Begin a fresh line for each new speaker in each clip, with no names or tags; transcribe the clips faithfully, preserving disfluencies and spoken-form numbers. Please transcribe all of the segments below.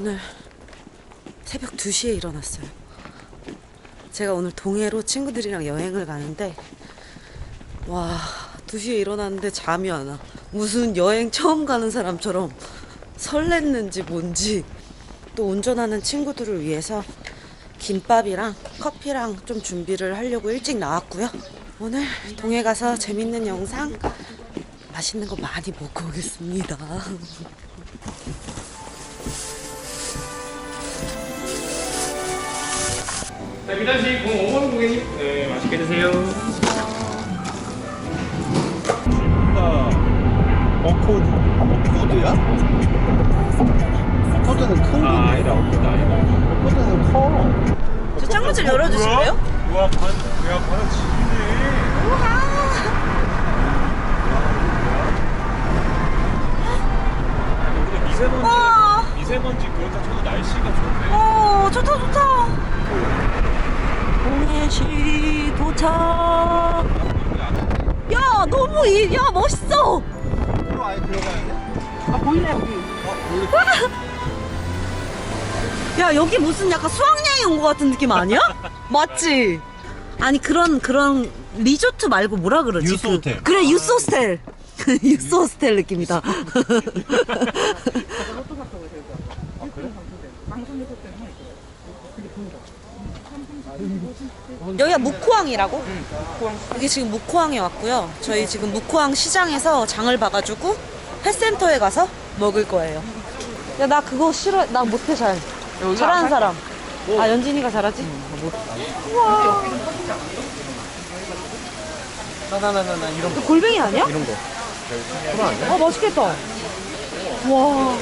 오늘 새벽 두 시에 일어났어요. 제가 오늘 동해로 친구들이랑 여행을 가는데 와, 두 시에 일어났는데 잠이 안 와. 무슨 여행 처음 가는 사람처럼 설렜는지 뭔지. 또 운전하는 친구들을 위해서 김밥이랑 커피랑 좀 준비를 하려고 일찍 나왔고요. 오늘 동해 가서 재밌는 영상, 맛있는 거 많이 먹고 오겠습니다.
자, 미단씨 공오 번 고객님, 네, 맛있게 드세요.
어코드. 어코드야? 어코드는 큰 건데.
아, 아니다, 없다, 아니다.
어코드는 커.
저 창문 좀 열어주실래요?
우와, 반, 야, 반은 지기네.
우와.
여기가 미세먼지,
우와.
미세먼지 그렇다 쳐도 날씨가 좋네.
어, 좋다, 좋다. 동해시 도착. 야, 너무, 이, 야, 멋있어.
으로 아예 들어가야 돼?
아, 보이네, 여기. 야, 여기 무슨 약간 수학여행 온 것 같은 느낌 아니야? 맞지? 아니, 그런, 그런 리조트 말고 뭐라 그러지?
유스 호텔.
그, 그래, 유스 호스텔. 유스 호스텔 느낌이다. 여기가 묵호항이라고? 응, 묵호항. 여기 지금 묵호항에 왔고요. 저희 지금 묵호항 시장에서 장을 봐가지고 펫센터에 가서 먹을 거예요. 야, 나 그거 싫어. 나 못해 잘. 잘하는 사람. 아, 연진이가 잘하지? 응, 우와.
나나나나 이런
이거 골뱅이 아니야?
이런 거.
아, 맛있겠다. 와.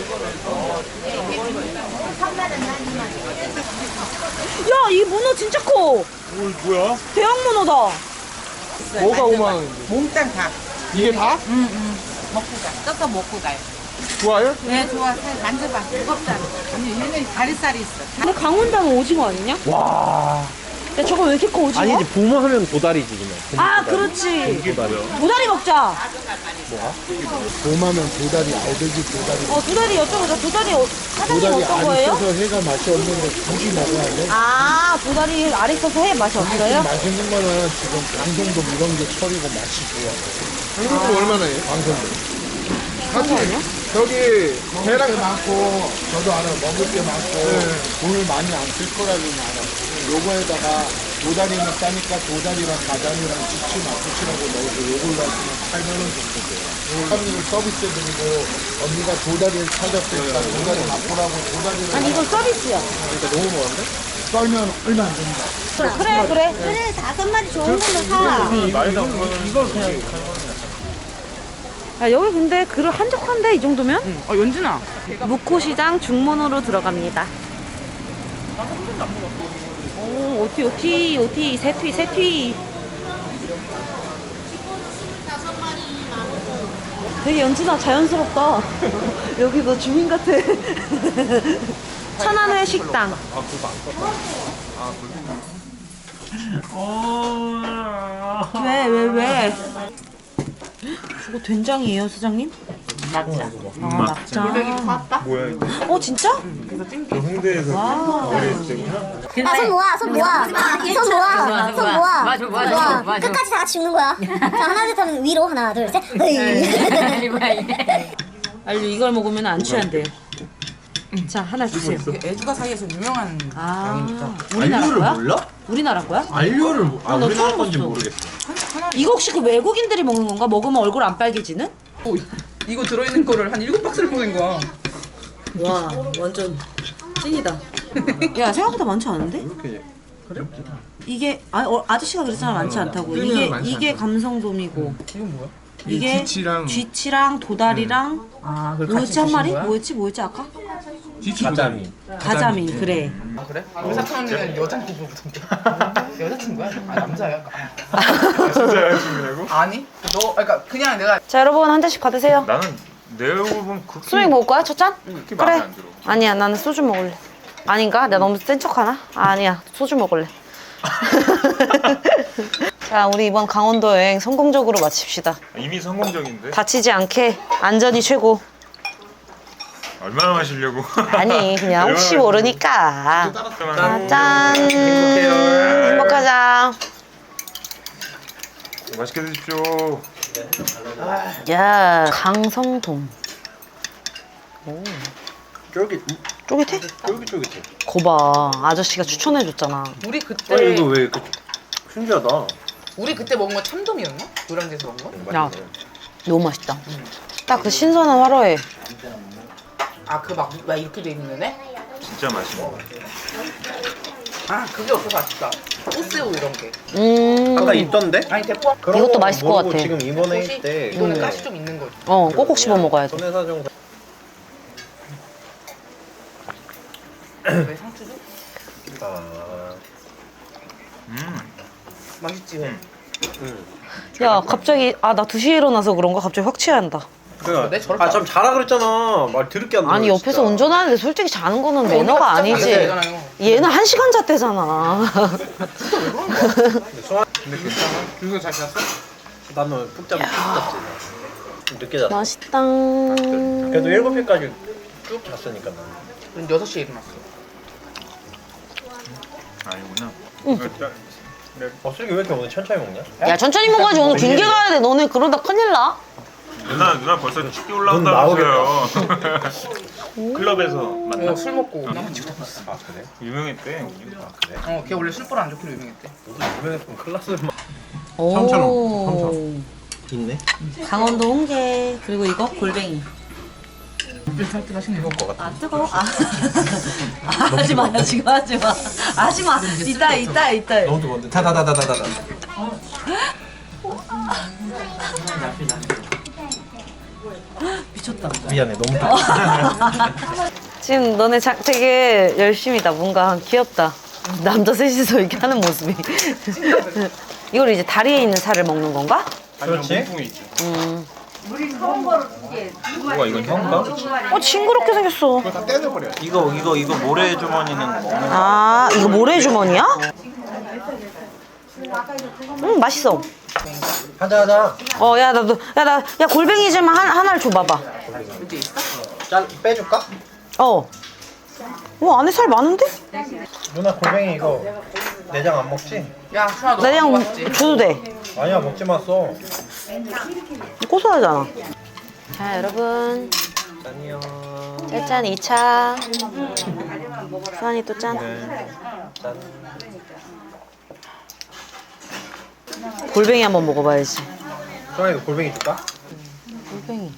야, 이 문어 진짜 커.
오, 뭐야?
대형 문어다.
뭐가 오만 원인데?
몽땅 다.
이게 다?
응응. 먹고 가. 뜯어 먹고 가요.
좋아요?
네, 좋아. 살 만져봐. 무겁잖아. 아니, 얘는 다리살이 있어.
근데 강원도는 오징어 아니냐?
와.
야, 저거 왜 이렇게 커, 오징어?
아니지, 봄 하면 도다리지 그냥.
아, 그렇지.
이게 뭐야?
도다리 먹자.
봄 하면 도다리, 알배기 도다리.
어, 도다리 여쭤보자. 도다리 어, 사장님
도다리
어떤
안
거예요?
있어서 해가 맛이 없는데 굳이 먹어야 돼.
아, 도다리 알 있어서 해 맛이 없어요?
맛있는 거는 지금 방송도 이런 게 철이고 맛이 좋아. 방송도 얼마나 해요? 방송도. 사실 저기 배랑 많고 저도 알아 먹을 게 많고 돈을 많이 안 쓸 거라는 알아. 요거에다가 도다리는 싸니까 도다리랑 가자미랑 지치 마쿠치라고 넣어서 요걸로 하시면 팔만 원 정도 돼요. 사장님을 서비스해드리고 언니가 도다리를 찾았으니까 도다리 맛보라고 도다리를
아니, 이건 서비스야.
그러니까 너무 많은데? 썰면 얼마 안 됩니다.
그래, 그래.
그래 다섯 마리 좋은 걸로 사.
말다 보면 이거 그냥.
야, 여기 근데 그릇 한적한데, 이 정도면?
어, 연준아.
묵호시장 중문으로 들어갑니다. 오, 오티, 오티, 오티, 세튀, 세튀. 되게 연진아 자연스럽다. 여기 너 주민 같아. 천안회 식당.
아, 그거 안 떴다.
왜, 왜, 왜? 저거 된장이에요, 사장님?
맞자.
아, 막장.
뭐야, 이거?
어, 진짜?
홍대에서 어렸을 때구나?
아, 손 모아, 손 모아, 손 모아, 손 모아.
맞아, 맞아, 맞아.
끝까지 다 같이 죽는 거야. 자, 하나, 둘, 셋 하면 위로, 하나, 둘, 셋. 으이.
알류 이걸 먹으면 안 취한대요. 자, 하나 주세요.
애주가 사이에서 유명한
아, 우리나라 거야?
몰라?
우리나라 거야?
알료를 아
나
우리나라
처음
건지
봤어.
모르겠어.
이거 혹시 그 외국인들이 먹는 건가? 먹으면 얼굴 안 빨개지는?
오, 이거 들어있는 거를 한 일곱 박스를 보낸 거야.
와, 완전 찐이다. 야, 생각보다 많지 않은데?
이렇게
이게 아, 어, 아저씨가 그랬잖아, 많지 않다고.
뜨면
이게
많지
이게 감성돔이고.
이건 뭐야?
이게
쥐치랑-
쥐치랑 도다리랑
아, 그걸
뭐였지 한 마리?
거야?
뭐였지? 뭐였지 아까?
가자미.
가자미. 그래.
아, 그래? 우리 사촌 언니는 여자친구 보던데. 여자친구야? 아, 남자야?
진짜 여자친구냐고?
아니? 너, 그러니까 그냥 내가
자, 여러분 한 잔씩 받으세요.
나는 내 얼굴 보면 그렇게
소맥 먹을 거야? 첫 잔?
그렇게 마음에 안 들어.
아니야, 나는 소주 먹을래. 아닌가? 내가 너무 센 척하나? 아, 아니야, 소주 먹을래. 자, 우리 이번 강원도 여행 성공적으로 마칩시다.
이미 성공적인데?
다치지 않게 안전이 최고.
얼마나 마시려고?
아니 그냥 혹시 모르니까.
짠.
짠. 행복하자.
맛있게 드십시오.
야 강성돔. 오.
쫄깃
쫄깃해?
쫄깃쫄깃해.
거봐 아저씨가 추천해줬잖아.
우리 그때
아니 이거 왜 이렇게 신기하다.
우리 그때 먹은 거 참돔이었나? 노량진에서 먹은 거?
야 너무 맛있다. 딱 그 신선한 화로에.
아그 막 이렇게 돼 있는 애?
진짜 맛있는 거.
아 그게 없어서 아쉽다. 꽃새우 이런 게.
음.
아까 있던데?
아니 대포.
그런
이것도
거
맛있을 것
모르고
같아.
지금 이번에
꽃이
때
이거는 가시 좀 있는 거지.
어 꼭꼭 씹어 먹어야 돼.
손해사정
왜 상추죠?
아,
음.
맛있지.
응.
야 갑자기 아 나 두 시에 일어나서 그런가 갑자기 확 취한다.
내 저렇게
아참 자라 그랬잖아. 말 들을게 안
아니
들어,
옆에서
진짜.
운전하는데 솔직히 자는 거는 매너가
안
아니지.
되잖아요.
얘는 한 시간 잤대잖아.
근데 괜찮아?
준서 잘 잤어?
나는 푹 자면 푹 잤지. 좀 늦게 잤어.
맛있다.
그래도 일곱 시까지 쭉 잤으니까 나는.
우린 여섯 시에 일어났어.
아니구나.
어, 슬기 왜 이렇게 오늘 천천히 먹냐?
야 천천히 먹어야지 오늘 길게 가야 돼. 너네 그러다 큰일 나.
누나 누나 벌써 치기
넌
올라온다면서요. 클럽에서 만나.
어, 술 먹고 나만 지고 다녔어.
아 그래?
유명했대.
아 그래?
어, 걔 원래 술벌 안 좋기로 유명했대.
너도 유명했던 클라스
오.
삼천 있네?
강원도 홍게 그리고 이거 골뱅이.
하시는 거.
아 뜨거워? 아, 아 하지마 지금 하지마 하지마 이따 이따 이따.
너무 뜨거운데? 다다다다다다.
미쳤다.
미안해 너무 뜨거워.
지금 너네 자, 되게 열심이다. 뭔가 귀엽다. 남자 셋이서 이렇게 하는 모습이. 이걸 이제 다리에 있는 살을 먹는 건가?
그렇지?
몸통이 있지.
음.
뭐가 이건 형가?
어 징그럽게 생겼어.
다 떼내버려.
이거 이거 이거 모래 주머니는 먹는
아 이거 모래 주머니야? 음 맛있어.
하자 하자.
어 야 나도 야 나 야 골뱅이 좀 한, 하나를 줘봐봐.
짠 빼줄까?
어. 어 안에 살 많은데?
누나 골뱅이 이거 내장 안 먹지?
야, 수아 너
내장
먹었지?
줘도 돼.
아니야 먹지 마써.
고소하잖아. 자 여러분
짠이요.
짠 이 차. 수환이 또 짠.
짠.
골뱅이 한번 먹어봐야지.
수아이 골뱅이 줄까?
골뱅이.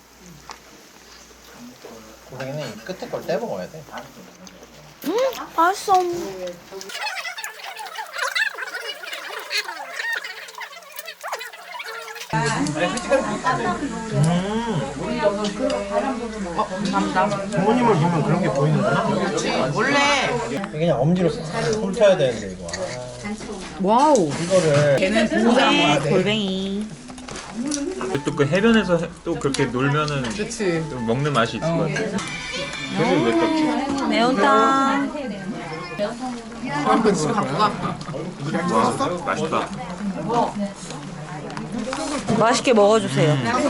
골뱅이는 이 끝에 걸 떼 먹어야 돼.
음 맛있어.
부모님을 보면 그런 게 보이는구나.
원래
그냥 엄지로 훑어야 되는데 이거.
와우.
이거를
걔는 보호자인 거야.
골뱅이.
또 그 해변에서 해- 또 그렇게 놀면은
그치.
또 먹는 맛이 있을 것 같아. 근데 왜 떴지?
매운탕.
그럼 그 집에 갖고 가.
와 맛있다.
맛있게 먹어주세요.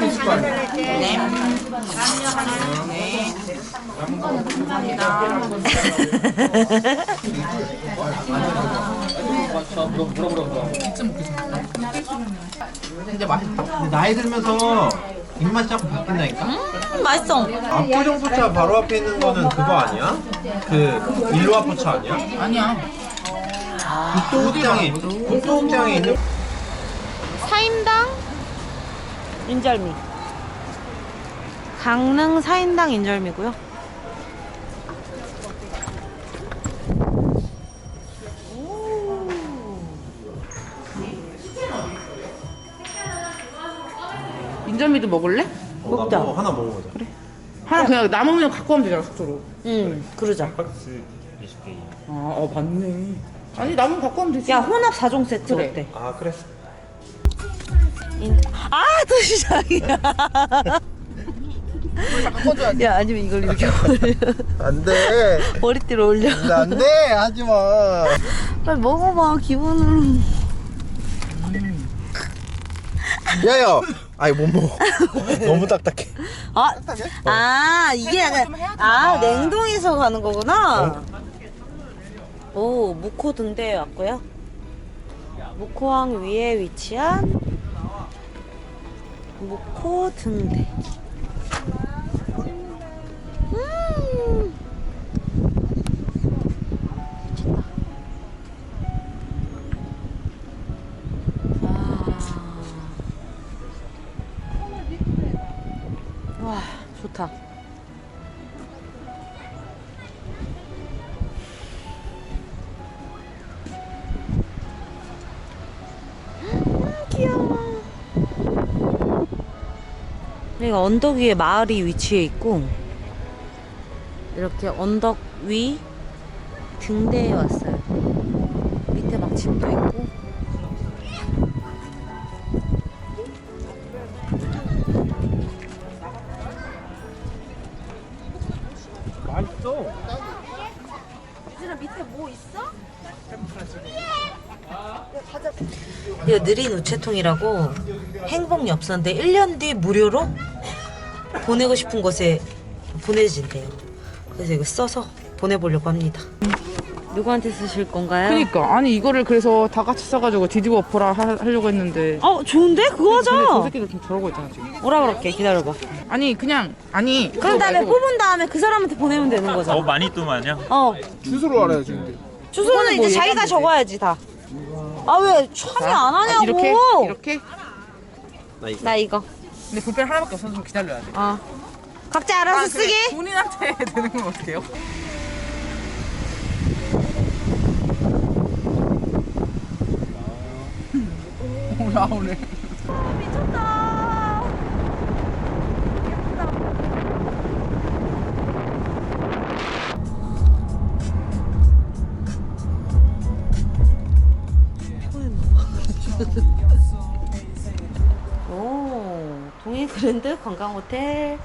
진짜 맛있다.
근데 나이 들면서 입맛 자꾸 바뀐다니까?
음, 맛있어.
압구정포차 바로 앞에 있는 거는 그거 아니야? 그 일로아포차 아니야?
아니야.
국도극장에 국도극장에 있는
사인당 인절미. 강릉 사인당 인절미고요.
인절미도 먹을래?
먹자.
뭐 하나 먹어보자. 그래.
하나 그냥 남으면 갖고 가면 되잖아, 숙소로.
응, 그러자.
박스 이십 개.
아, 어, 맞네. 아니, 남으면 갖고 가면 되지.
야, 혼합 사 종 세트
그래.
어때?
아 그래.
인... 아, 또 시작이야.
바꿔줘야지.
야, 아니면 이걸 이렇게 올려.
안돼.
머리띠로 올려.
안돼 하지 마.
빨리 먹어봐, 기분으로.
야야 아니 못 먹어. 너무 딱딱해.
아, 아 이게 약간 아 냉동에서 가는 거구나. 오 무코 등대에 왔고요. 무코항 위에 위치한 무코 등대. 음. 와 좋다. 귀여워. 여기가 언덕 위에 마을이 위치해 있고 이렇게 언덕 위 등대에 왔어요. 밑에 막 집도 있고.
맛있어.
이거 느린 우체통이라고 행복 엽서인데 일 년 뒤 무료로 보내고 싶은 곳에 보내진대요. 그래서 이거 써서 보내보려고 합니다. 누구한테 쓰실 건가요?
그니까 아니 이거를 그래서 다 같이 써가지고 뒤집어 엎어라 하- 하려고 했는데
어 좋은데? 그거
근데 저
하자.
새끼들 좀 저러고 있잖아 지금.
뭐라 그럴게. 기다려봐.
아니 그냥 아니
그런 다음에
말고
뽑은 다음에 그 사람한테 보내면 되는
어
거잖아.
많이 또 마냐?
어
주소로 알아야지 근데.
주소는
뭐
이제 자기가
얘기하면
적어야지 다. 아 왜 참여 안
아,
하냐고.
이렇게 이렇게
나 이거.
근데 볼펜 하나밖에 없어서 좀 기다려야 돼.
어. 각자 알아서
아, 그래.
쓰기.
본인한테 되는 건 어때요? 올라오네.
미쳤다. 예쁘다. 오, 동해 그랜드 관광 호텔.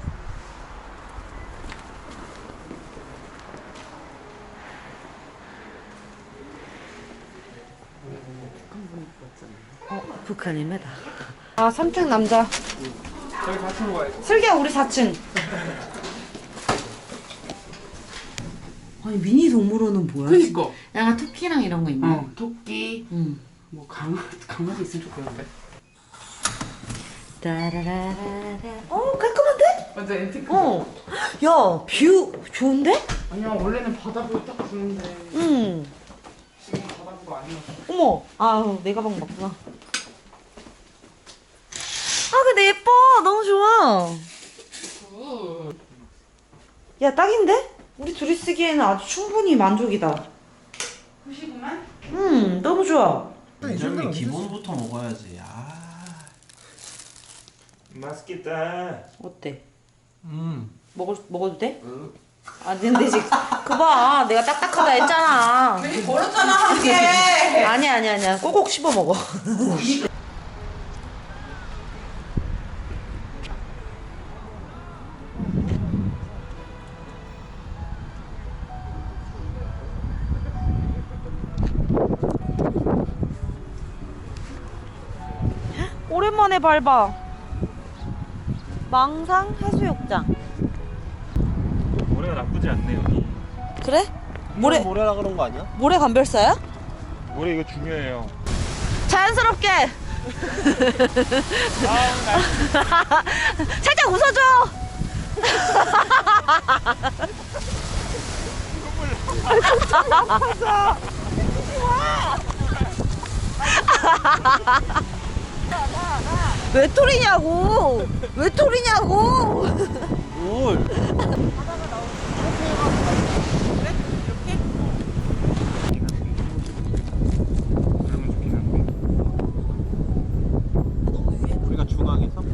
어, 북한입니다. 아, 삼 층 남자.
저희 사 층으로 가야지.
슬기야, 우리 사 층. 아니, 미니 동물원은 뭐야?
그니까.
약간 토끼랑 이런 거 있나?
어 토끼
응.
뭐 강아 강아지 있으면 좋겠는데.
따라라라라. 어, 깔끔한데?
맞아 앤티크.
어. 야, 뷰 좋은데?
아니야 원래는 바다뷰 딱 주는데
응.
지금 바다뷰가 아니야.
어머. 아우, 내 가방 맞구나. 아, 근데 예뻐. 너무 좋아. 야, 딱인데? 우리 둘이 쓰기에는 아주 충분히 만족이다.
후시구만.
음, 너무 좋아.
인절미 기본부터 먹어야지. 아.
맛있겠다.
어때?
음.
먹을 먹어도 돼? 응. 아 근데 지금 그 봐, 내가 딱딱하다 했잖아.
버렸잖아 한 개.
아니야 아니야 아니야. 꼭꼭 씹어 먹어. 오랜만에 밟아. 망상 해수욕장.
모래가 나쁘지 않네 여기.
그래? 모래
모래라 그런 거 아니야?
모래 감별사야?
모래 이거 중요해요.
자연스럽게. 살짝 웃어줘. 왜 토리냐고? 왜 토리냐고?
뭘?
그러면 좋긴 한데.
우리가 중앙에서?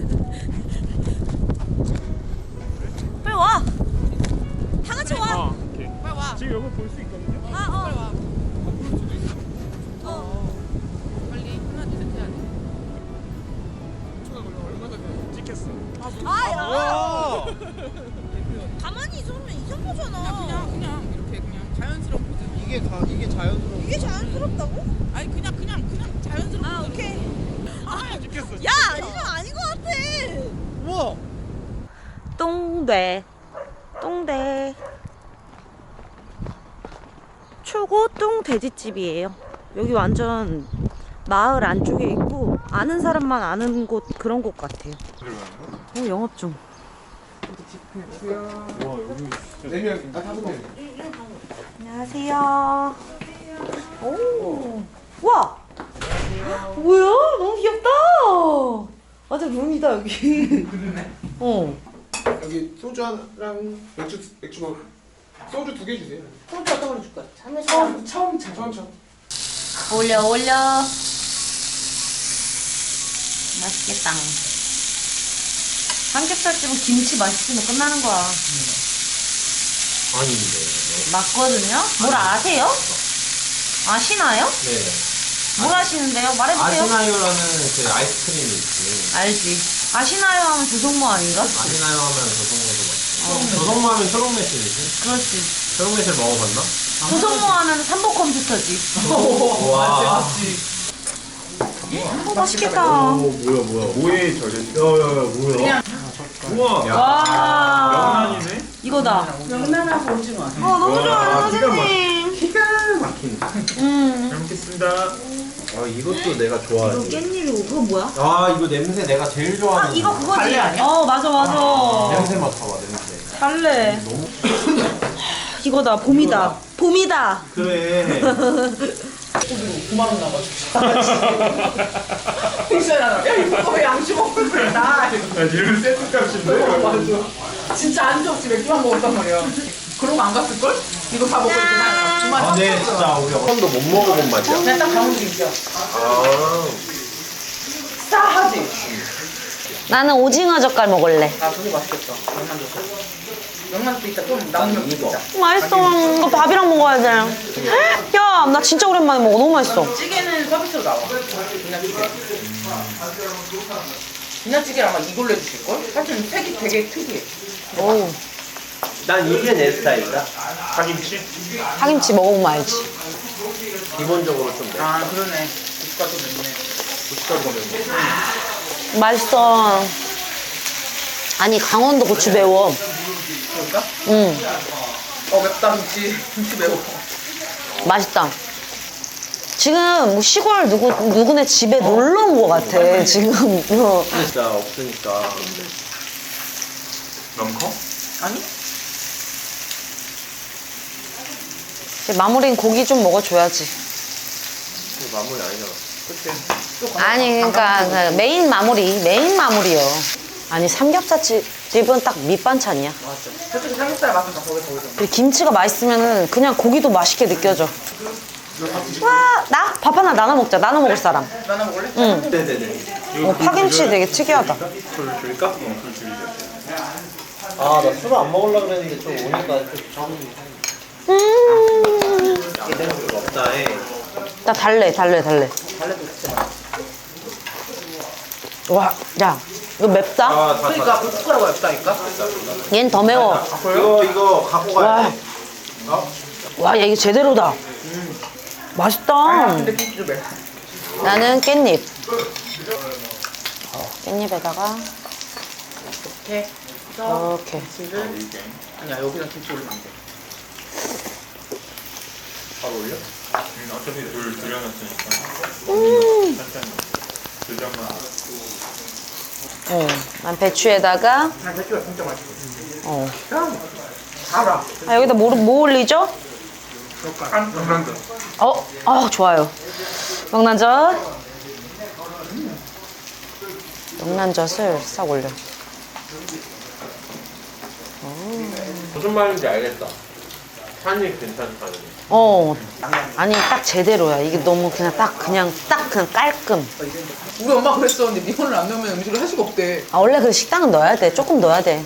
빨리 와. 다 같이 와.
어, 오케이. 지금 여기 볼 수 있거든요.
아, 어. 아, 야. 가만히 있으면 이상하잖아.
그냥 그냥 이렇게 그냥 자연스러운 포즈.
이게 다 이게 자연스러운.
이게 자연스럽다고?
아니 그냥 그냥 그냥 자연스러운.
아, 오케이. 야, 이거 아닌 것 같아.
우와.
똥대, 똥대. 초고똥 돼지집이에요. 여기 완전 마을 안쪽에 있고 아는 사람만 아는 곳 그런 곳 같아요. 어, 영업 중.
네 명, 아 다섯 명.
안녕하세요. 오, 와, 뭐야? 너무 귀엽다. 완전 룸이다 여기. 어.
여기 소주 하나랑 맥주 맥주 먹. 소주 두 개 주세요.
소주 어떤 걸로 줄까?
처음 처음 차 처음 차.
올려 올려. 맛있겠다. 삼겹살집은 김치 맛있으면 끝나는 거야.
아닌데.
맞거든요? 뭘 아세요? 아시나요?
네.
뭘 아시는데요? 말해보세요.
아시나요라는 그 아이스크림이 있지.
알지. 아시나요 하면 조성모 아닌가?
아시나요 하면 조성모도 맞지. 조성모 하면 초록매실이지.
그렇지.
초록매실 먹어봤나?
조성모 하면 삼보 컴퓨터지.
와.
어, 맛있겠다.
오 뭐야 뭐야 뭐에 절였어? 야야야 뭐야? 우와.
와.
명란이네?
이거다.
명란하고 오징어.
어, 너무 좋아요,
와, 기가 막-
선생님.
기가 막힌다.
음.
잘 먹겠습니다.
아 이것도 내가
이거
좋아하지.
깻잎이고, 그거 뭐야?
아 이거 냄새 내가 제일 좋아하는.
아, 이거 그거지.
달래 아니야?
어, 맞아, 맞아.
냄새 맡아봐 냄새.
달래. 이거다, 봄이다. 봄이다.
그래.
구만 원 나가지고. 픽셀하나. 야 이거 왜 양주 먹고 그래 나.
야 얘는 세트 값인데?
진짜 안주 없이 맥주만 먹었단 말이야. 그런 거 안 갔을 걸? 이거 다 먹고 이렇게 나. 주말
아, 네 진짜 우리 어감도 못 먹어본 맛이야.
그냥 딱 가운데 있어.
아.
싸하지.
나는 오징어 젓갈 먹을래.
아 그게 맛있겠다. 명란도 있어. 명란도 있다. 좀 남은 면 있다.
맛있어. 이거 밥이랑 먹어야 돼. 야, 나 진짜 오랜만에 먹어. 너무 맛있어.
찌개는 서비스로 나와. 김치찌개. 김치찌개를 아마 이걸로 해주실 걸? 하여튼 색이 되게 특이해.
오,
난 이게 내 스타일이다.
파김치?
파김치 먹어보면 알지.
기본적으로 좀 내.
아 그러네. 국가도 맵네.
고춧가루가 매워.
맛있어. 아니, 강원도 고추 매워.
그럴까?
응,
어 맵다 김치. 김치 매워.
맛있다. 지금 뭐 시골 누구, 누구네 집에 놀러 온 것 같아, 지금. 어.
진짜 없으니까.
너무 커?
아니?
이제 마무리는 고기 좀 먹어줘야지.
이거 마무리 아니잖아.
그치. 또 강-
아니, 그러니까 그 메인 마무리, 메인 마무리요. 아니, 삼겹살집은 딱 밑반찬이야.
맞아. 솔직히 삼겹살 맛은 다 거기 거기서.
그리고 김치가 맛있으면은 그냥 고기도 맛있게 느껴져. 와, 나? 밥 하나 나눠 먹자. 나눠 먹을 사람.
나나 먹을래?
응.
네네네.
어, 파김치 되게 특이하다.
술 줄까?
어, 술 줄이자.
아, 나 술을 안 먹으려고 그랬는데 좀 오니까 좀 적응이
음,
제대로 없다 해.
나 달래, 달래, 달래.
달래도 진짜 맛있어.
와, 야, 이거 맵다?
아, 다,
그러니까 고춧가루가 맵다니까?
얘는 더 매워.
다. 이거, 이거 갖고 가야
와,
돼. 어?
와, 야, 이게 제대로다.
아
맛있다.
근데 김치도 맵.
나는 깻잎. 깻잎에다가
이렇게 해서
이렇게.
김치를 아니야 여기다 김치 올리면 안 돼.
바로 올려?
응, 어차피 물 들여놨으니까. 살짝 들여만.
어, 난 배추에다가
난 배추가 진짜 맛있어.
어.
그냥 달아.
아, 여기다 뭐, 뭐 올리죠?
한 명란젓.
어, 아, 좋아요. 명란젓. 명란젓을 싹 올려.
무슨 말인지 알겠다. 산이 괜찮다는.
어, 아니 딱 제대로야. 이게 너무 그냥 딱 그냥 딱 그냥 깔끔.
우리 엄마 그랬었는데 미원을 안 넣으면 음식을 할 수가 없대.
아, 원래 그 식당은 넣어야 돼. 조금 넣어야 돼.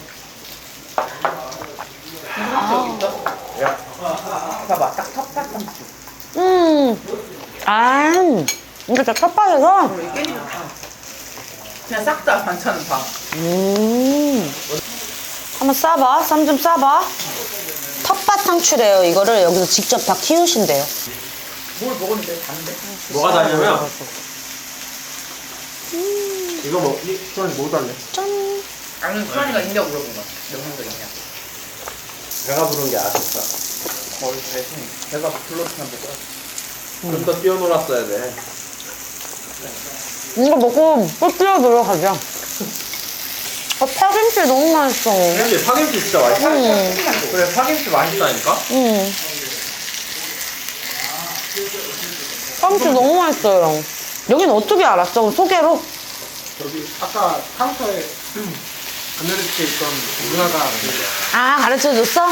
여기 있다.
야,
봐봐 딱 텁텁한 국
음, 아, 이거 진짜 텃밭에서.
그리고 이 깻잎은 다 그냥 싹 다 반찬은 다.
음, 한번 싸봐. 쌈 좀 싸봐. 텃밭 상추래요. 이거를 여기서 직접 다 키우신대요.
뭘 먹었는데 단데?
뭐가 다냐면 이거 뭐, 이, 수환이 뭐 달래?
아니 수환이가 있냐고 물어본 거야. 먹는 거 있냐?
배가 부른 게 아쉽다.
거의 대충 배가 불렀으면 먹어야
좀 더 뛰어놀았어야 돼.
이거 먹고 또 뛰어들어 가자. 아, 파김치 너무 맛있어.
근데 파김치 진짜 맛있어.
응.
그래, 파김치 맛있다니까?
응. 파김치 너무 맛있어요. 여기는 어떻게 알았어? 소개로?
저기 아까 카운터에 아메리카에 있던 누나가
아, 가르쳐줬어?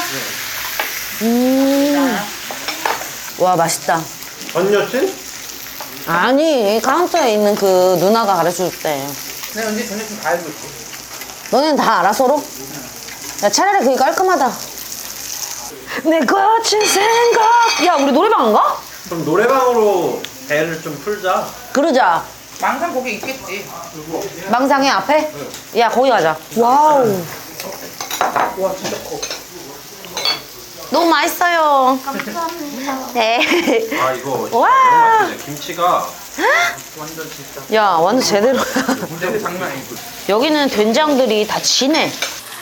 음. 와, 맛있다.
전 여친?
아니, 카운터에 있는 그 누나가 가르쳐줬대.
내가 언제 저녁 좀 가야지 있지.
너는 다 알아, 서로? 야, 차라리 그게 깔끔하다. 내 거친 생각. 야, 우리 노래방 안 가?
그럼 노래방으로 배를 좀 풀자.
그러자.
망상 거기 있겠지.
망상의 앞에? 야, 거기 가자. 와우.
와 진짜 커.
너무 맛있어요. 감사합니다. 네.
아, 이거
와.
너무 맛있네. 김치가.
완전 진짜.
야, 완전 제대로야.
근데 장난 아니고.
여기는 된장들이 다 진해.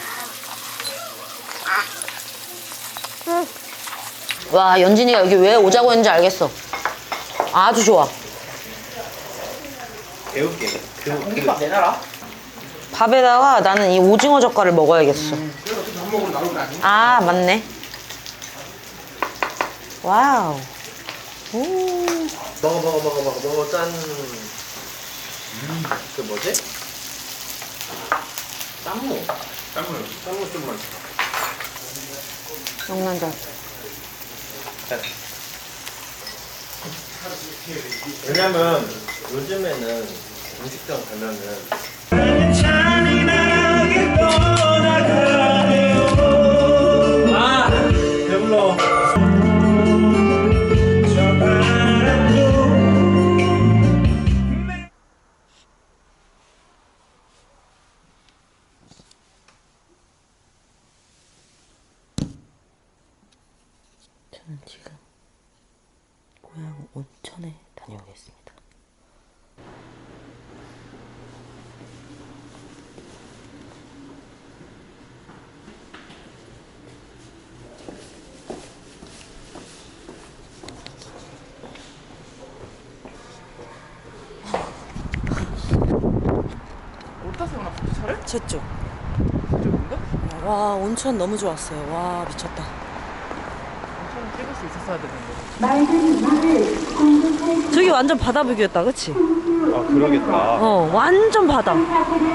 와, 연진이가 여기 왜 오자고 했는지 알겠어. 아주 좋아.
배울게. 그,
공깃밥 내놔라.
밥에다가 나는 이 오징어 젓갈을 먹어야겠어.
그래서 어차피 밥 먹으러 나올 거 아니야?
아, 맞네. 와우. 오.
먹어, 먹어, 먹어, 먹어, 먹어, 짠. 그 뭐지? 쌈무.
땀을.
쌈무 좀 맛있어.
명란젓.
왜냐면 요즘에는 음식점 가면은 아 배불러.
저는 지금 고향 온천에 다녀오겠습니다.
어디다 세우나 차를?
저쪽.
저쪽인가?
와, 온천 너무 좋았어요. 와, 미쳤다.
엄청 찍을 수 있었어야 되는데.
저기 완전 바다 뷰였다, 그치?
아 그러겠다.
어, 완전 바다.
어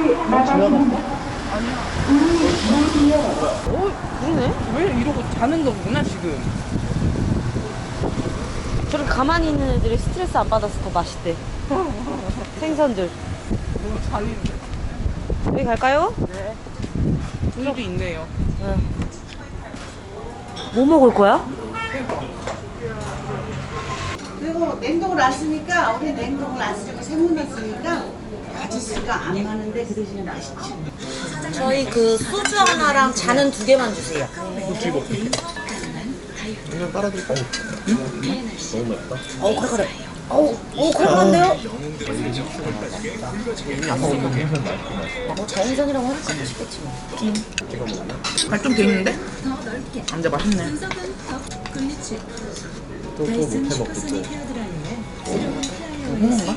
그러네. 왜 이러고 자는 거구나 지금.
저렇게 가만히 있는 애들이 스트레스 안 받아서 더 맛있대. 생선들.
너무 잔인데.
여기 갈까요?
네. 우유도 있네요.
뭐 먹을 거야?
그리고 냉동을 놨으니까 우리 냉동을 안 쓰고 생물 놨으니까 가짓수가 안 많은데 그 대신에 맛있지.
저희 그 소주 하나랑 잔은 두 개만 주세요.
그냥 빨아드릴까요?
너무 맵다.
어우, 칼칼해. 어우, 어우, 칼칼한데요? 뭐 자연산이라고 하니까 맛있겠지 뭐.
발좀 돼 있는데? 근데 맛있네.
또또 못해 먹고 또.
먹는가?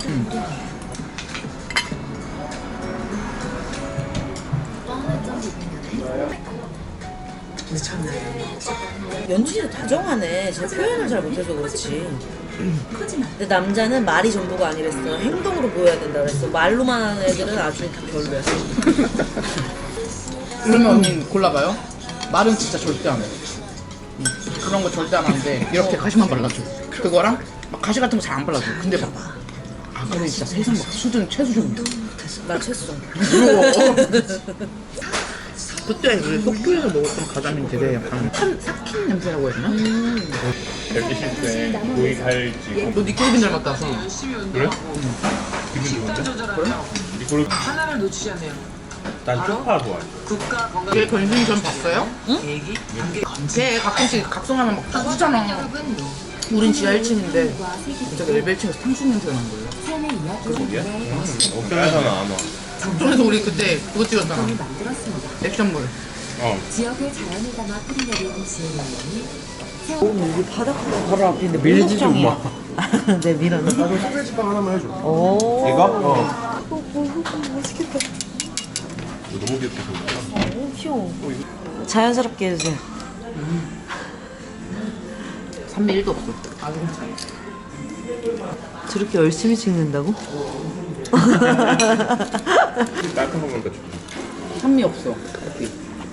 연준이도 다정하네. 제가 표현을 잘 못해서 그렇지. 근데 남자는 말이 전부가 아니랬어. 행동으로 보여야 된다 그랬어. 말로만 하는 애들은 아주 별로야.
그러면 언니 골라봐요. 말은 진짜 절대 안 해. 음, 그런 거 절대 안 하는데 이렇게 가시만 발라줘. 그거랑 막 가시 같은 거 잘 안 발라줘. 근데 봐봐. 아 그래 진짜 세상 막 수준 최수준이야.
나 채소.
그때 우리 속초에서 먹었던 가자미는 되게 약간 한 삭힌 냄새라고 해야 되나?
열기실 때 고기 갈지.
너 니콜빈 닮았다.
그래? 기분 좋은데? 그래? 이걸 난 쪽파 좋아해.
걔 변신이 전 봤어요? 응? 걔 가끔씩 각성하면 막 딱 하잖아. 우린 지하 일 층인데 갑자기 엘베 일 층에서 탕수육 냄새가 난 거예요.
옥상에서는 안 와.
그래서 우리 그때 그거 찍었잖아. 액션물.
지역의 자연을 담아 뿌리내린 지혜님이
여기 바닷가 바로 앞인데 밀지 좀 마. 네, 밀어넣어.
나도 소세지빵 하나만 해줘.
오.
이거? 어.
맛있겠다.
너무 귀엽게 생겼다.
너무 귀여워. 자연스럽게 해주세요.
산미 일도 없어. 아주 괜찮아.
저렇게 열심히 찍는다고?
따뜻한 거 먹으니까 좋다.
산미 없어. 여기.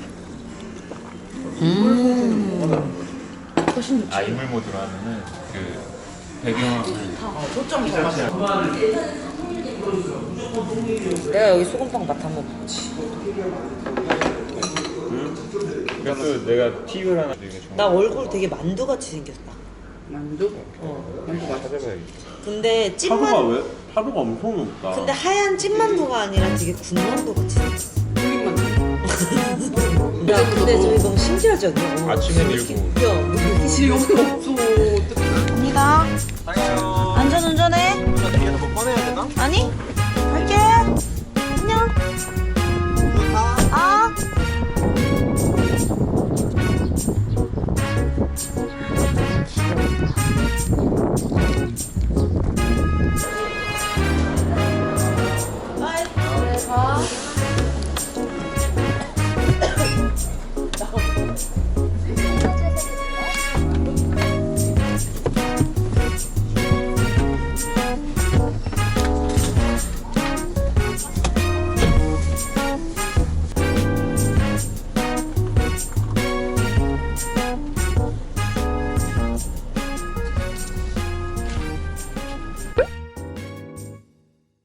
음.
훨씬 좋지.
아, 인물 모드로 하면은 그 배경을
초점이 잘 맞아.
내가 여기 소금빵 맛 한번 보지.
그래서 내가 팁을 하나 드리는 게
나 얼굴 되게 만두같이 생겼다.
만두?
어.
만두 맛있어.
찾아봐야겠다.
근데
파도가
찐만
왜? 파도가 엄청 높다.
근데 하얀 찐만두가 아니라 되게 군만두 같이 생겼어.
튀김 만두.
야, 근데 저희 너무 신기하지 않냐?
아침엔 일곱.
야, 뭐 이렇게
지금 없어. 어떡해.
갑니다. 안전 운전해.
뒤에서 뭐 꺼내야 되나?
아니? 갈게. 안녕. 아.